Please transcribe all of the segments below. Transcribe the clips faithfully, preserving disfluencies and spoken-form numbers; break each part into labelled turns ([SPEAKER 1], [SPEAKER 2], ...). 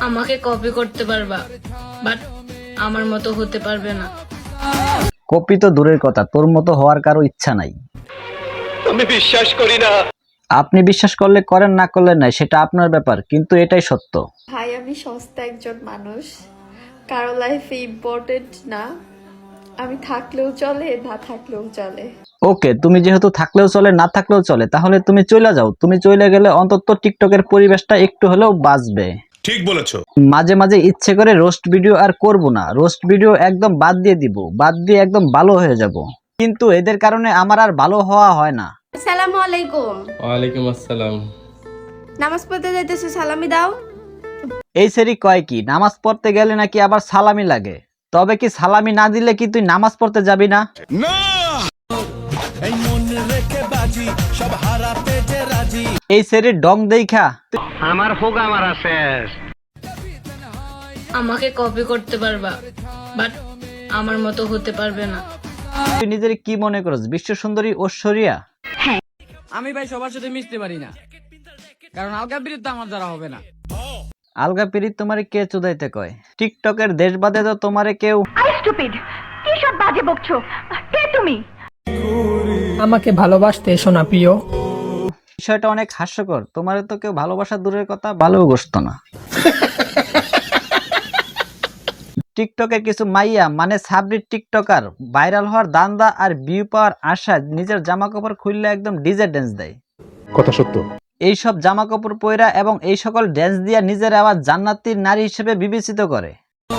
[SPEAKER 1] আমাকে কপি করতে পারবা, বাট আমার মতো হতে পারবে না।
[SPEAKER 2] কপি তো দূরের কথা, তোর মতো হওয়ার কারো ইচ্ছা নাই।
[SPEAKER 3] আমি বিশ্বাস করি না।
[SPEAKER 2] আপনি বিশ্বাস করলে করেন, না করলে নাই, সেটা আপনার ব্যাপার, কিন্তু এটাই সত্য।
[SPEAKER 4] ভাই আমি সস্তা একজন মানুষ, কারো লাইফে ইম্পর্টেন্ট না। আমি থাকলেও চলে, না থাকলেও চলে।
[SPEAKER 2] ওকে, তুমি যেহেতু থাকলেও চলে না থাকলেও চলে, তাহলে তুমি চলে যাও। তুমি চলে গেলে অন্তত টিকটকের পরিবেশটা একটু হলেও বাঁচবে।
[SPEAKER 5] ঠিক বলেছো।
[SPEAKER 2] মাঝে মাঝে ইচ্ছে করে রোস্ট ভিডিও আর করব না, রোস্ট ভিডিও একদম বাদ দিয়ে দিব, বাদ দিয়ে একদম ভালো হয়ে যাব। কিন্তু এদের কারণে আমার আর ভালো হওয়া হয় না।
[SPEAKER 6] আসসালামু আলাইকুম।
[SPEAKER 7] ওয়ালাইকুম আসসালাম।
[SPEAKER 6] নামাজ পড়তে যাইতেছো, সালামি দাও।
[SPEAKER 2] এই সেরি কয় কি, নামাজ পড়তে গেলে নাকি আবার সালামি লাগে? তবে কি সালামি না দিলে কি তুই নামাজ পড়তে যাবি না? এই সেরির ডং দেইখা
[SPEAKER 3] আমার হোগা মারা শেষ।
[SPEAKER 1] আমাকে কপি করতে পারবা, বাট আমার মতো হতে পারবে না।
[SPEAKER 2] তুই নিজের কি মনে করছ, বিশ্ব সুন্দরী ঐশ্বরিয়া?
[SPEAKER 8] আমি ভাই সবার সাথে মিশতে পারি না, কারণ আলগা বিরুদ্ধে আমার দ্বারা হবে না।
[SPEAKER 2] আলগা পিরিত তোমারে কে চুদাইতে কয়? টিকটকের দেশ বাদে তো তোমারে কেউ।
[SPEAKER 9] কি সব বাজে বকছো? কে তুমি?
[SPEAKER 8] আমাকে ভালোবাসতে এসো না প্রিয়।
[SPEAKER 2] বিষয়টা অনেক হাস্যকর, তোমারে তো কেউ ভালোবাসা দূরের কথা ভালোও বসতো না। টিকটকের কিছু মাইয়া মানে সাবরির টিকটকার ভাইরাল হওয়ার দান্দা আর ভিউ পাওয়ার আশায় নিজের জামা কাপড় খুললে একদম ডিজে ড্যান্স দেয়।
[SPEAKER 5] কথা সত্য।
[SPEAKER 2] এইসব জামা কাপড় পয়রা এবং এই সকল ড্যান্স দিয়া নিজের আবার জান্নাতীর নারী হিসেবে বিবেচিত করে।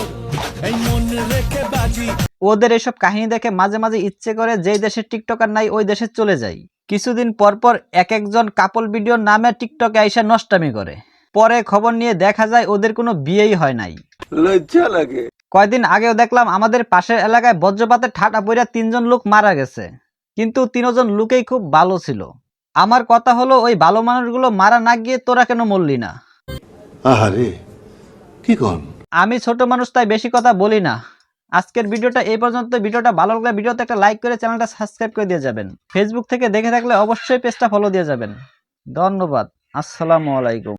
[SPEAKER 2] ওদের এসব কাহিনী দেখে মাঝে মাঝে ইচ্ছে করে যেই দেশের টিকটকার নাই ওই দেশে চলে যাই। কিছুদিন পর পর এক একজন কাপল ভিডিওর নামে টিকটকে আইসা নষ্টামি করে, পরে খবর নিয়ে দেখা যায় ওদের কোনো বিয়েই হয় নাই।
[SPEAKER 3] লজ্জা লাগে।
[SPEAKER 2] কয়দিন আগেও দেখলাম আমাদের পাশের এলাকায় বজ্রপাতে ঠাটা পইরা তিনজন লোক মারা গেছে, কিন্তু তিনজন লোকেই খুব ভালো ছিল। আমার কথা হলো, ওই ভালো মানুষগুলো মারা না গিয়ে তোরা কেন মরলি না?
[SPEAKER 10] আহারে কি কোন?
[SPEAKER 2] আমি ছোট মানুষ, তাই বেশি কথা বলি না। আজকের ভিডিওটা এই পর্যন্ত। ভিডিওটা ভালো লাগলে ভিডিওতে একটা লাইক করে চ্যানেলটা সাবস্ক্রাইব করে দিয়ে যাবেন। ফেসবুক থেকে দেখে থাকলে অবশ্যই পেজটা ফলো দিয়ে যাবেন। ধন্যবাদ। আসসালামু আলাইকুম।